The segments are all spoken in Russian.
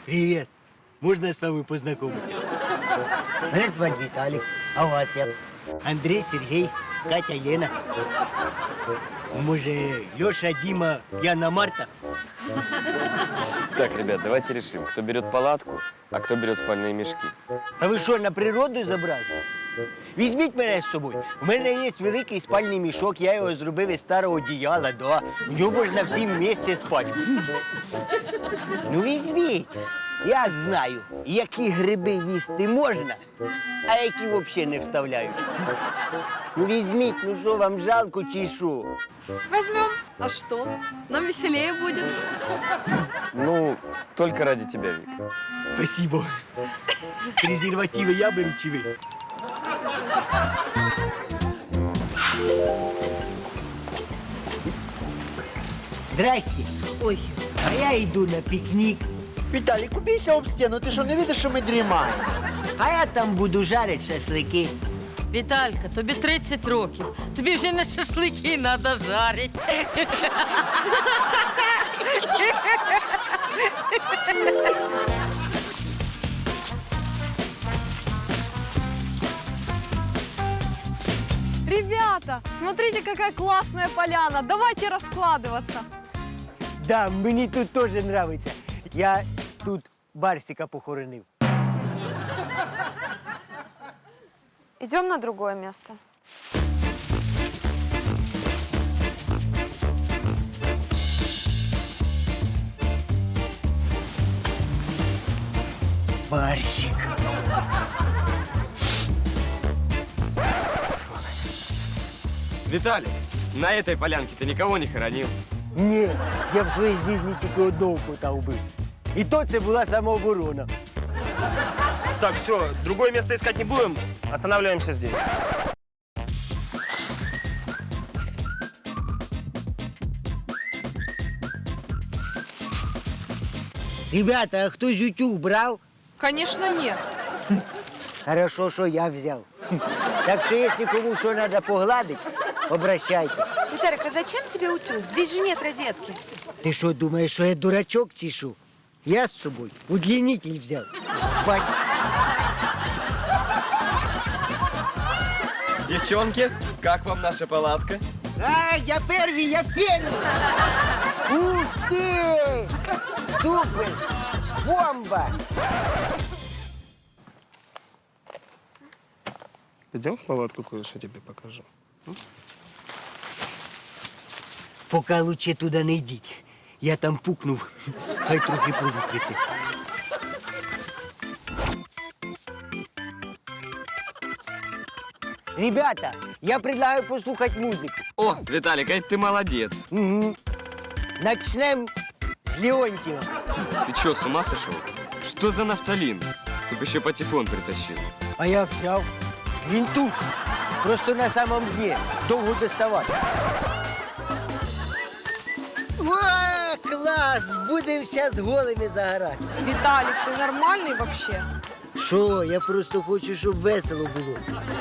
Привет. Можно с вами познакомиться? Меня зовут Виталик. А у вас я? Андрей, Сергей, Катя, Лена. Может, Леша, Дима, Яна, Марта? Так, ребят, давайте решим, кто берет палатку, а кто берет спальные мешки. А ви що, на природу забрали? Візьміть мене з собою. У мене є великий спальний мішок, я його зробив із старого одіяла, да. В ньому можна всім вместе спати. Ну візьміть. Я знаю, які гриби їсти можна, а які взагалі не вставляють. Ну візьміть, ну що, вам жалко чи що? Возьмем. А что? Нам веселее будет. Ну, только ради тебя, Вик. Спасибо. Презервативи я беру чи ви? Здрасте. Ой, А я йду на пікнік. Виталик, убейся об стену, ты что, не видишь, что мы дремаем? А я там буду жарити шашлики. Віталька, тобі 30 років. Тобі вже не шашлики треба жарити. Ребята, смотрите, какая классная поляна. Давайте раскладываться. Да, мені тут теж подобається. Я тут Барсика похоронив. Идем на другое место. Барсик. Виталий, на этой полянке ты никого не хоронил. Ні, я в своїй житті тільки одного кота вбив. І то це була самооборона. Так, все, другое место искать не будем. Останавливаемся здесь. Ребята, а хтось утюг брав? Конечно, нет. Хорошо, що я взяв. Так що, якщо кому що треба погладити, обращайте. Виталик, а зачем тебе утюг? Здесь же нет розетки. Ти що, думаєш, що я дурачок чи що? Я з собою удлінитель взяв. Бать. Девчонки, как вам наша палатка? А, я первый, я первый! Ух ты! Супер! Бомба! Идем в палатку, кое-что тебе покажу. Поки лучше туди не йдіть. Я там пукнув, хай трохи провітриться. Ребята, я предлагаю послухати музику. О, Виталик, а ты молодец. Угу. Начнем з Леонтьева. Ты что, с ума сошел? Что за нафталин? Ты бы еще патефон притащил. А я взяв. Він тут. Просто на самом дні. Довго доставати. О, клас! Будемо зараз голими загорати. Виталик, ты нормальный вообще? Що? Я просто хочу, щоб весело було.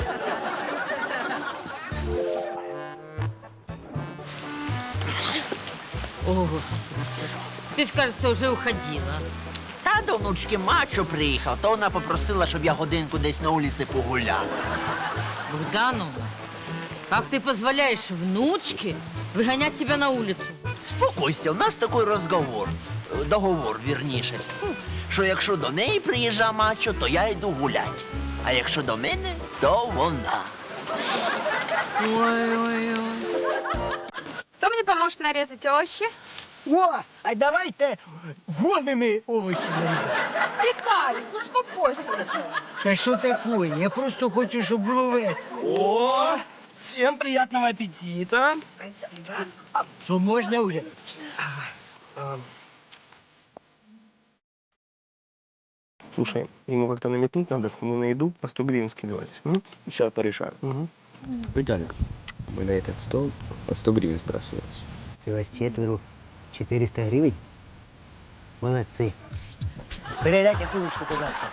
О, Господи. Ти ж, кажеться, вже уходила. Та до внучки мачо приїхав, то вона попросила, щоб я годинку десь на вулиці погуляв. Богдановна, как ты позволяешь внучке выгонять тебя на улицу? Спокойся, у нас такий договор, вірніше, що якщо до неї приїжджа мачо, то я йду гулять. А якщо до мене, то вона. Ой-ой-ой. Кто мне поможет нарезать овощи? О, а давайте голими овочі нарізати. Виталик, ну успокойся уже. Та що таке? Я просто хочу, щоб було весело. О, всем приятного аппетита. Що можна вже? Слушай, ему как-то намекнуть надо, что мы на еду по 100 гривен скидывались. Сейчас порешаю. Виталик, мы на этот стол по 100 гривен спрашивались. Це вас четверо. 400 гривень? Молодці. Передайте кулечку, будь ласка.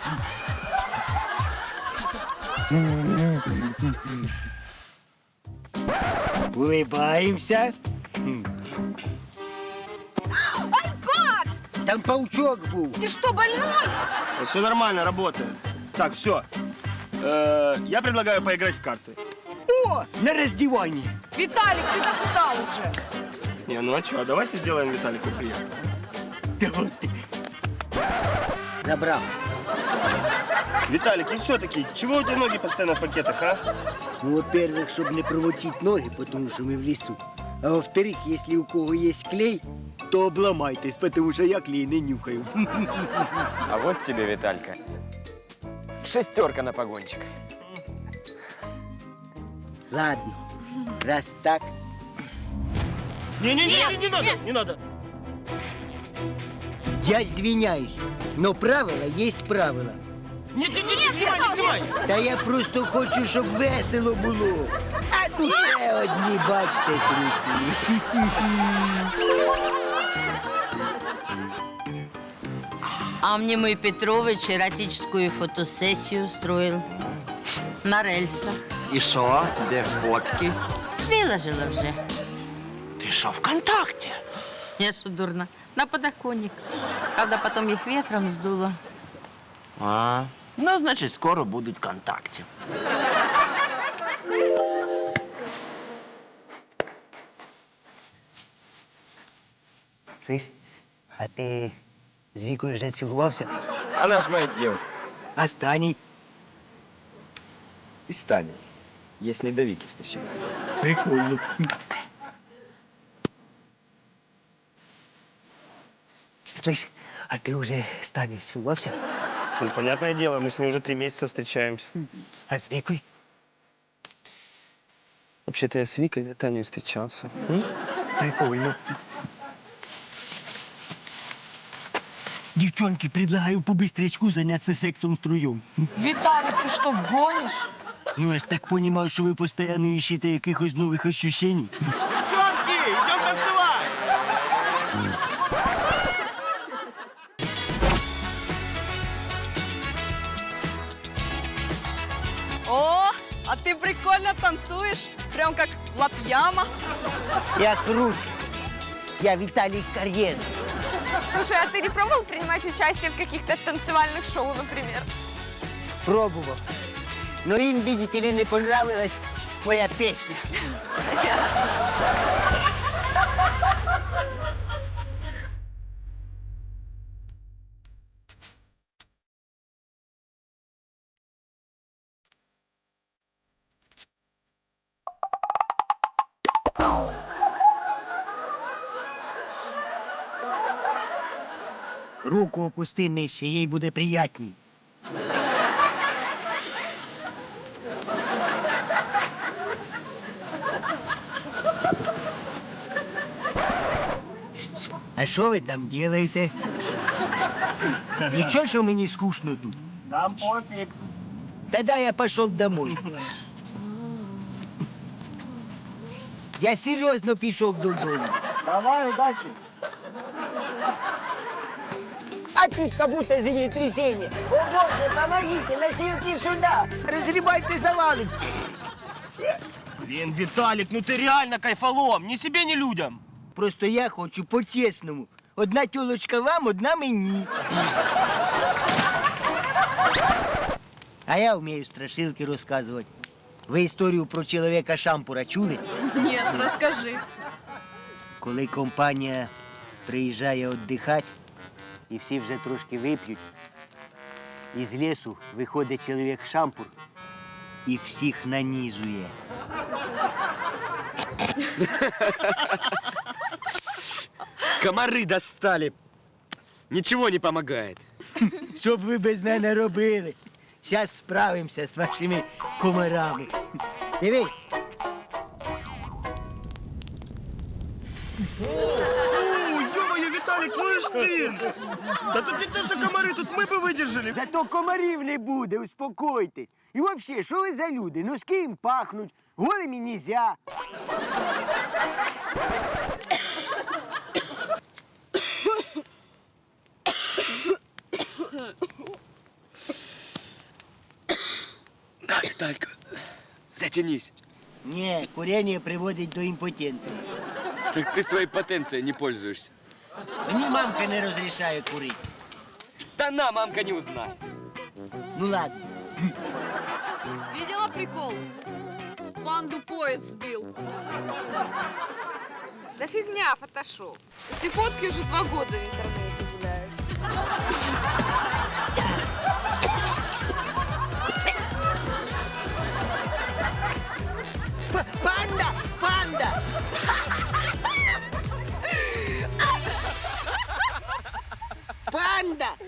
Улыбаємося. Там паучок був. Ты что, больной? Все нормально, работает. Так, все. Я предлагаю поиграть в карты. О, на роздіванні. Виталик, ты достал уже. Не, ну а что, давайте сделаем Виталику приятно. Давайте. Забрав. Виталик, и все-таки, чего у тебя ноги постоянно в пакетах, а? Ну, во-первых, щоб не промочити ноги, тому що ми в лісу. А во-вторых, якщо у кого є клей, то обламайтесь, тому що я клей не нюхаю. А вот тебе, Виталька, 6 на погончик. Ладно, раз так. Не-не-не, не надо. Я извиняюсь, но правила есть правила. Нет, не снимай. Та я просто хочу, щоб весело було. А тут ще одні, бачите, трусі. А мне мой Петрович эротическую фотосессию устроил. На рельсах. І що? Де фотки? Выложила уже. Ти що, ВКонтакте? Я что, дурно? На подоконник. Правда, потом их ветром сдуло. А, ну, значить, скоро будуть ВКонтакте. Слышь, а ти з Вікою вже цілувався? Она ж моя девушка. Останній. И Станя, если до Вики встречался. Прикольно. Слышь, а ти вже з Танею цілувався? Ну, понятное дело, мы с ней уже 3 месяца встречаемся. А з Вікою? Вообще-то я с Викой и Таней встречался. Прикольно. Девчонки, предлагаю по-быстрячку заняться сексом втроем. Виталик, ты что, гонишь? Ну, я ж так понимаю, что вы постоянно ищете якихось новых ощущений. Девчонки, идем танцевать! О, а ты прикольно танцуешь. Прям как Латьяма. Я круче. Я Виталий Карьер. Слушай, а ты не пробовал принимать участие в каких-то танцевальных шоу, например? Пробовал. Но им, видите ли, не понравилась моя песня. Руку опусти нижче, їй буде приятній. А що ви там робите? Нічого, що мені скучно тут? Там пофиг. Тогда я пошел домой. Я серьезно пішов додому. Давай, удачи. А тут как будто землетрясение. О боже, помогите, носилки сюда. Разгребайте завалы. Блин, Виталик, ну ты реально кайфолом. Ни себе, ни людям. Просто я хочу по-чесному. Одна тёлочка вам, одна мені. А я вмію страшилки розказувати. Ви історію про чоловіка Шампура чули? Нет, расскажи. Коли компанія приїжджає віддихати, і всі вже трошки вип'ють, із лісу виходить чоловік Шампур і всіх нанізує. Комары достали. Ничего не помогает. Що б ви без мене робили? Зараз справимося з вашими комарами. Дивись. Ё-моё, Виталик, ну и ж ты! Да тут не то, что комары, тут мы бы выдержали. Зато комарів не буде, успокойтесь. І взагалі, що ви за люди? Ну з ким пахнуть? Голими нельзя. На, Виталька, затянись. Ні, курення приводить до імпотенції. Так ты своей потенцией не пользуешься. Мені мамка не розрішає курити. Да на, мамка не узнает. Ну ладно. Видела прикол? Панду поезд сбил. Да фигня, фотошоп. Эти фотки уже 2 года в интернете гуляют. Панда! Панда! Панда!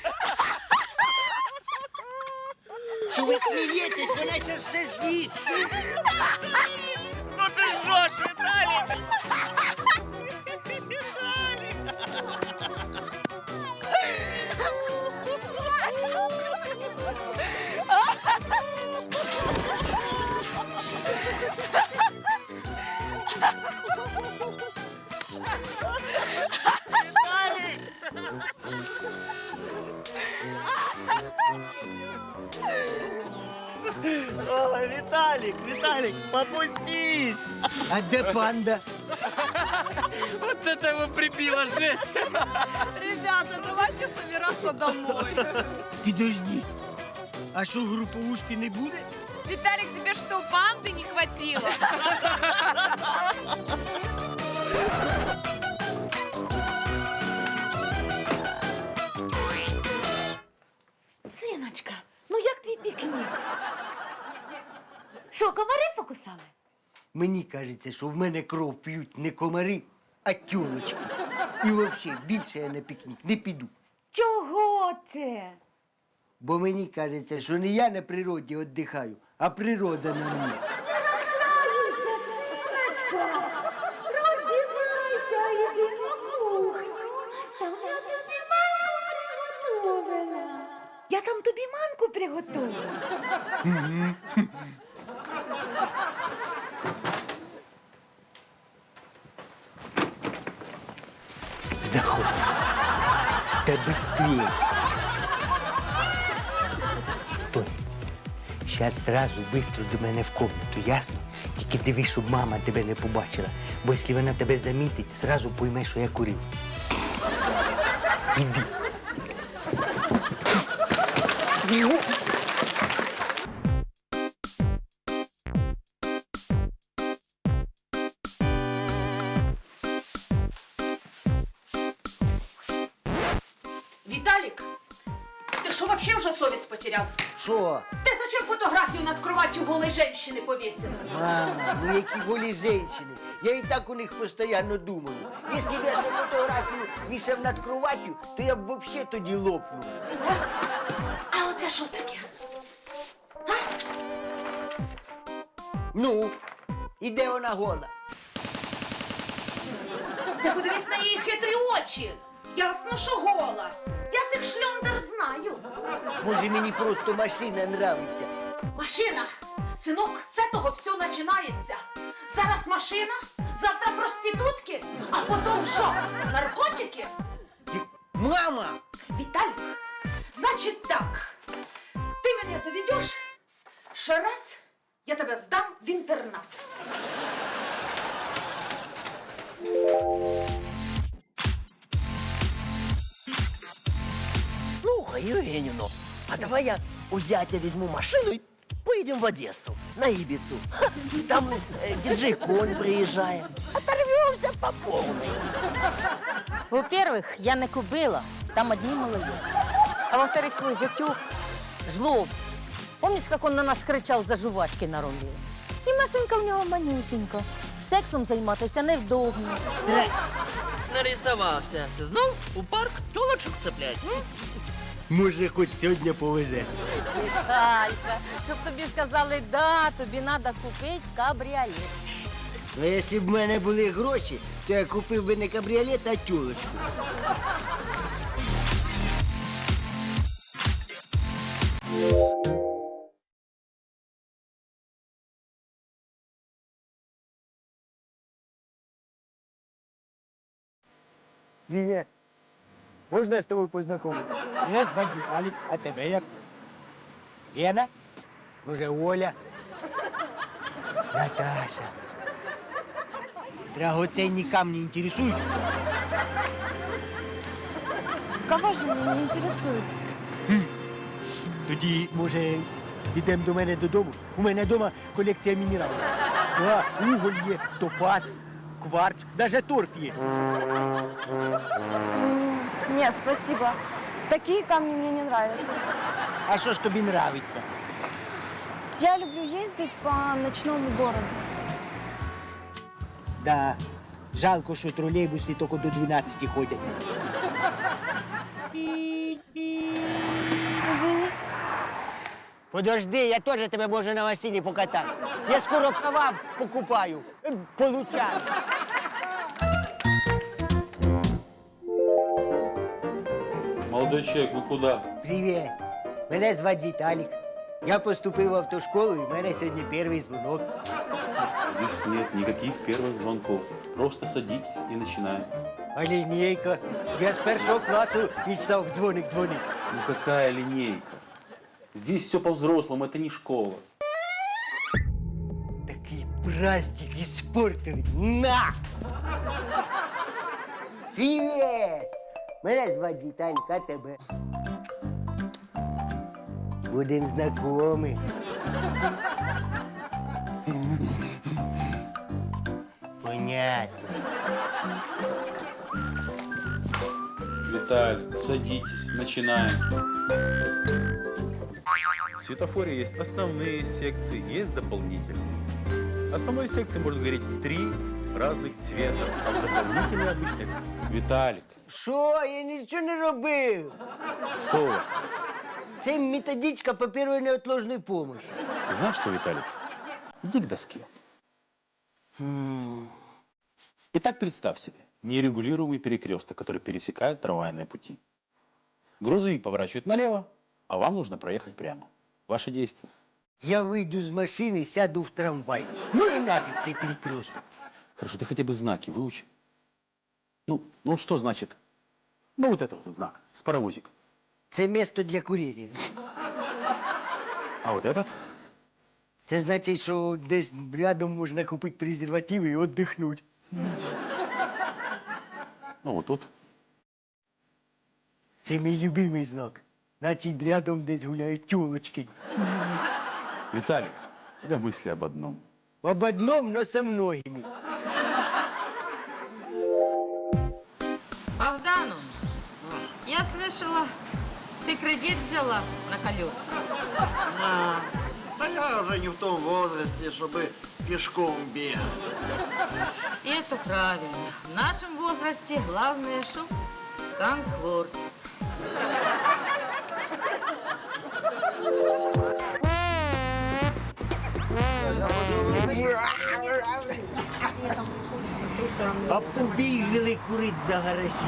Чого ви смієтесь? Вона ще все з'їсть. Ну ти що ж, Віталік? Ой, Виталик, попустись! А де панда? Вот это его прибило, жесть. Ребята, давайте собираться домой. Підождіть. А що, груповушки не буде? Виталик, тебе что, панды не хватило? Синочка, ну як твій пікнік? Що, комари покусали? Мені кажеться, що в мене кров п'ють не комари, а тюлочки. І взагалі більше я на пікнік не піду. Чого це? Бо мені кажеться, що не я на природі віддихаю, а природа на мені. Не розстраюйся, синочка. Роздівайся, іди на кухню. Там я тобі манку приготувала. Я там тобі манку приготувала. Заходь. Та быстрее. Стой. Сейчас сразу быстро до мене в комнату, ясно? Тільки дивись, щоб мама тебе не побачила. Бо якщо вона тебе замітить, сразу пойме, що я курив. Іди. Бігу. Виталик, ты что вообще уже совесть потерял? Що? Ты зачем фотографию над кроватью голой женщины повесил? Мама, ну які голі женщини. Я і так у них постійно думаю. Якщо б я ще фотографію вішав над кроваттю, то я б взагалі тоді лопнув. А оце що таке? Ну, і де вона гола? Ти подивись на її хитрі очі. Ясно, що гола. Я цих шльондер знаю. Може, мені просто машина нравиться. Машина, синок, з того все починається. Зараз машина, завтра проститутки, а потім що? Наркотики? Мама! Виталик, значит так, ты меня доведешь, ще раз я тебе здам в интернат. Слухай, Євгенівно, а давай я у зятя візьму машину і поїдемо в Одесу, на Ібіцу. Ха, там діджей Конь приїжджає. Оторвемося по повній. Во-первых, я не купила, там одни малолетки. А во-вторых, твой зятюк жлоб. Помнишь, как он на нас кричав за жувачки на рулі? І машинка в нього манюсінька. Сексом займатися невдобно. Здрасте. Нарисувався. Знов у парк тілочок цеплять. Може, хоч сьогодні повезе. Алька, щоб тобі сказали, да, тобі треба купити кабріолет. Ну, якщо б в мене були гроші, то я купив би не кабріолет, а тюлочку. Привет. Можно я с тобой познакомиться? Меня зовут Виталик, а тебя як? Лена? Може, Оля? Наташа. Драгоценні камні інтересують? Кого же они не интересуют? Тоді, може, підемо до мене додому? У мене вдома колекція мінералів. Да, уголь є, топаз, кварц, навіть торф є. Нет, спасибо. Такие камни мне не нравятся. А що ж тобі нравиться? Я люблю ездить по ночному городу. Да, жалко, що тролейбуси тільки до 12 ходять. Извини. Подожди, я теж тебе можу на машині покатати. Я скоро права покупаю, получаю. Молодой человек, вы куда? Привіт. Мене звати Віталік. Я поступив в автошколу, і в мене сьогодні перший дзвонок. Здесь нет никаких первых звонков. Просто садитесь и начинаем. А лінійка? Я з першого класу мечтав в дзвоник дзвонити. Ну какая линейка? Здесь все по-взрослому, это не школа. Такий праздник іспортили. На! Привіт! Мене звати Віталік, а тебе? Будем знайомі. Понятно. Виталий, садитесь, начинаем. В светофоре есть основные секции, есть дополнительные. Основной секции можно говорить 3 разных цвета, а в дополнительные обычно... Виталик, Що? Я нічого не робив. что у вас там? Це методичка по першої неотложної помощи. Знаешь что, Виталик? Иди к доске. Итак, представь себе нерегулируемый перекресток, который пересекает трамвайные пути. Грузовик поворачивает налево, а вам нужно проехать прямо. Ваши действия. Я вийду з машини, сяду в трамвай. Ну і нафіг цей перекресток. Хорошо, ты хотя бы знаки выучи. Ну что значит? Ну вот это вот знак с паровозик. Це місто для куріння. А вот этот? Це значить, що десь рядом можна купити презервативи і віддихнути. Ну вот тут. Це мій любимий знак. Значить, рядом десь гуляють тюлочки. Виталик, у тебя мысли об одном. Об одном, но со многими. Богдану, я слышала, ты кредит взяла на колеса. Да я уже не в том возрасте, чтобы пешком бегать. И это правильно. В нашем возрасте главное, что комфорт. А побігли курить за гаражі.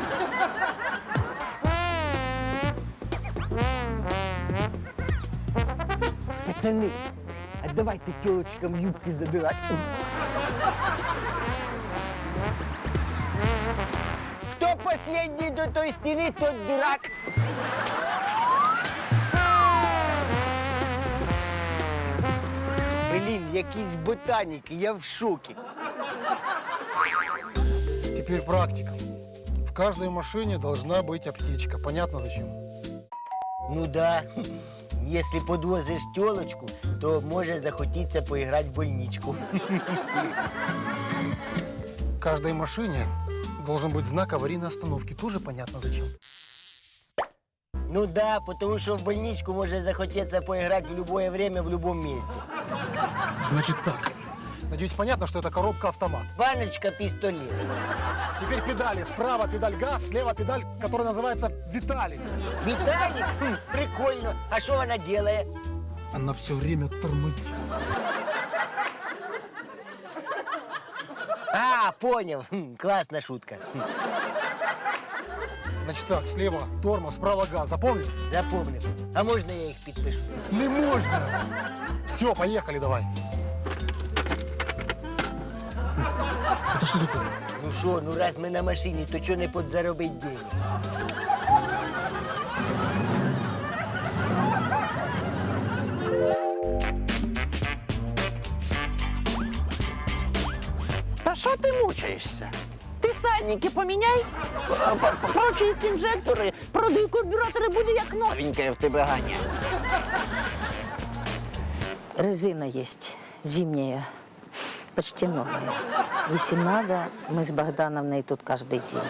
Пацани, а давайте тілочкам юбки забирати. Хто последній до той стіни, тот дурак. Блін, якісь ботаніки, я в шокі. Теперь практика. В каждой машине должна быть аптечка. Понятно зачем? Ну да. Если подвозишь телочку, то може захотіться поіграти в больничку. В каждой машине должен быть знак аварийной остановки. Тоже понятно зачем? Ну да, потому что в больничку може захотеться поиграть в любое время, в любом месте. Значит так. Надеюсь, понятно, что это коробка-автомат. Баночка, пистолет. Теперь педали. Справа педаль газ, слева педаль, которая называется Виталик. Виталик? Прикольно. А что она делает? Она все время тормозит. А, понял. Классная шутка. Значит так, слева тормоз, справа газ. Запомнил? Запомнил. А можно я их подпишу? Не можно. Все, поехали давай. Это что такое? Ну что, ну раз мы на машине, то что не подзаробить денег? Та що Чого ти мучаєшся? Ти сальники поміняй, прочисть інжектори, продуй карбюратори, буде як новеньке в тебе Ганя. Резина есть зимняя, почти новая. Если надо, мы с Богдановной тут каждый день.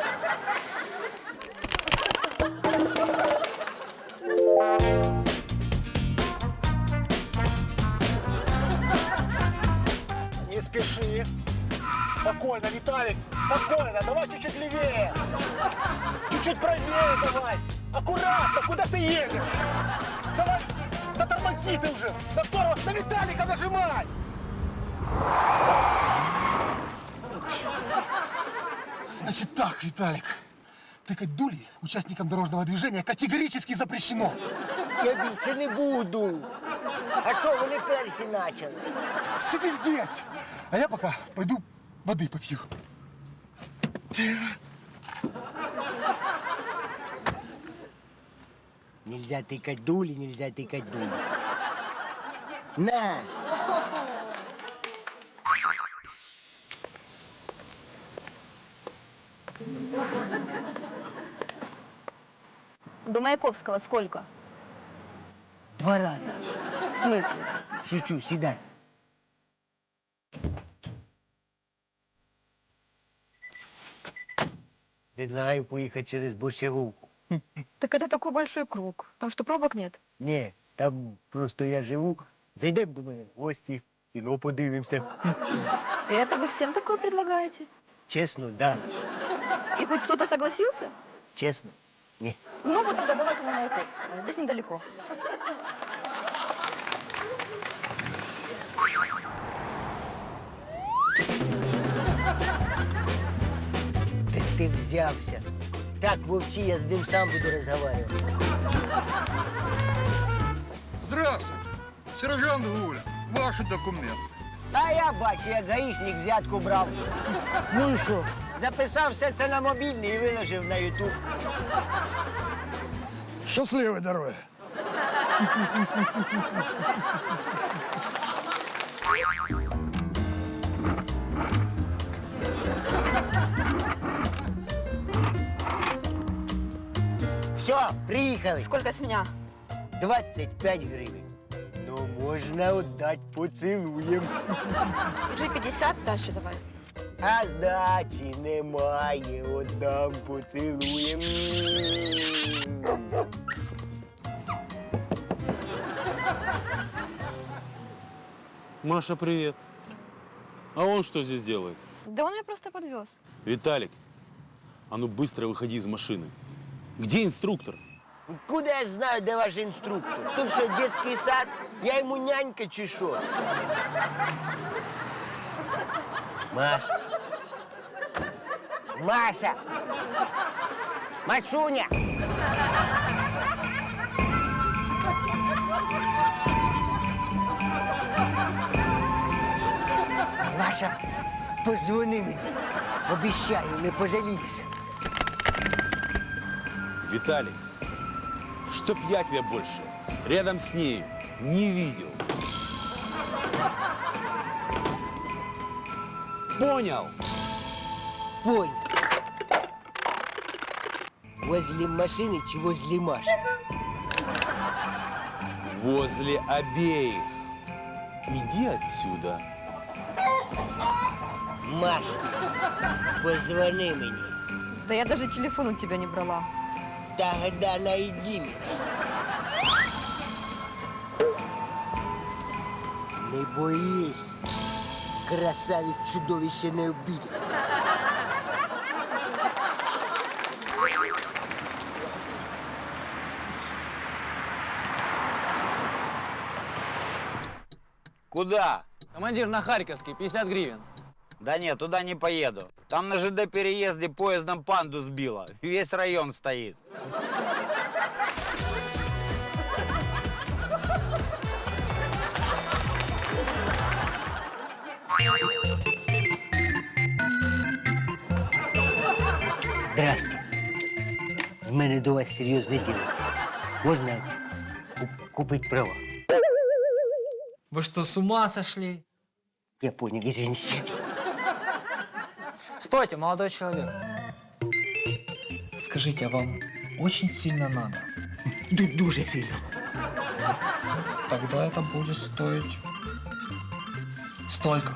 Не спеши. Спокойно, Виталик, спокойно. Давай чуть-чуть левее. Чуть-чуть правее давай. Аккуратно, куда ты едешь? Давай, да тормози ты уже. На тормоз, на Виталика нажимай. Значит так, Виталик. Тыкать дули участникам дорожного движения категорически запрещено. Я більше не буду. А що, вони перші почали? Сиди здесь, а я пока пойду воды попью. Нельзя тикать дулі, нельзя тикать дулі. На! До Маяковского сколько? 2 рази. В смысле? Шучу, сідай. Предлагаю поїхати через Борщаговку. Так это такой большой круг. Там что, пробок нет? Ні, там просто я живу. Зайдемо до мене в гості, кіно подивимося. И это вы всем такое предлагаете? Чесно, да. И хоть кто-то согласился? Чесно, ні. Ну вот тогда давайте на Маяковского. Здесь недалеко. Де ти взявся? Так, мовчи, я з ним сам буду розмовляти. Здравствуйте, сержант Гуля. Ваши документы. А я бачу, як гаїшник взятку брав. Ну і що? Записав все це на мобільний і виложив на Ютуб. Счастливой дороги. Все, приїхали. Сколько с меня? 25 гривень. Ну, можна віддати поцілуєм. Уже 50, сдачу давай. А здачі немає, віддам поцілуєм. Маша, привет. А он что здесь делает? Да он меня просто подвез. Виталик, а ну быстро выходи из машины. Где инструктор? Куда я знаю, де ваш інструктор? Тут що, дитячий сад? Я йому нянька чи що? Маша. Маша. Машуня. Маша, позвони мені. Обіцяю, не пожалієш. Виталик, чтоб я тебя больше рядом с ней не видел. Понял? Понял. Возле машины чи возле Маши? Возле обеих. Иди отсюда. Маша, позвони мені. Да я даже телефон у тебя не брала. Тогда найди меня. Не боись. Красавец чудовище не обидит. Куда? Командир, на Харьковский, 50 гривен. Да нет, туда не поеду. Там на ЖД переезде поездом панду сбило. Весь район стоит. Здрасте. В мене до вас серйозне діло. Можна купити права? Вы что, с ума сошли? Я понял, извините. Стойте, молодой человек. Скажите, а вам очень сильно надо? Дуже сильно. Тогда это будет стоить столько.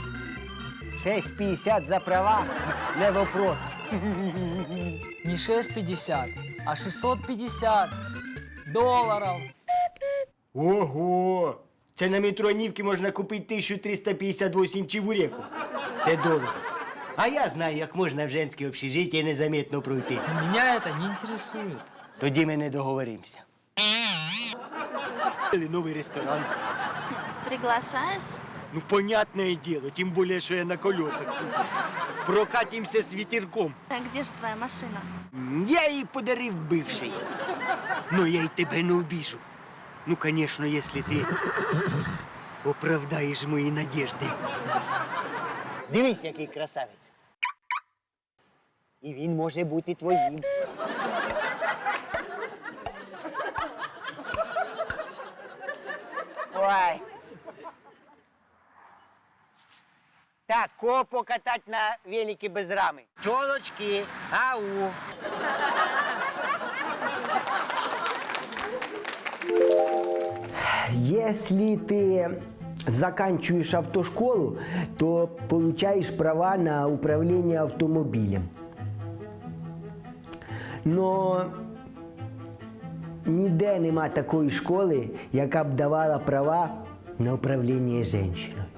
6,50 за права, не вопрос. Не 6,50, а 650 долларов. Ого! Це на метронівці можна купити 1358 чебуреків. Це дорого. А я знаю, як можна в женське общежиття незаметно пройти. Меня это не интересует. Тоді ми не договоримося. Новий ресторан. Приглашаешь? Ну, понятное дело, тем более, что я на колесах. Прокатимся с ветерком. А где же твоя машина? Я її подарив бивший. Но я й тебе не обіжу. Ну, конечно, если ти оправдаєш мої надежди. Дивись, який красавець. І він може бути твоїм. Ой. Так, кого покатать на велике без рами? Тілочки, ау. Если ты заканчиваешь автошколу, то получаешь права на управление автомобилем. Но ніде нема такої школи, яка б давала права на управління жінкою.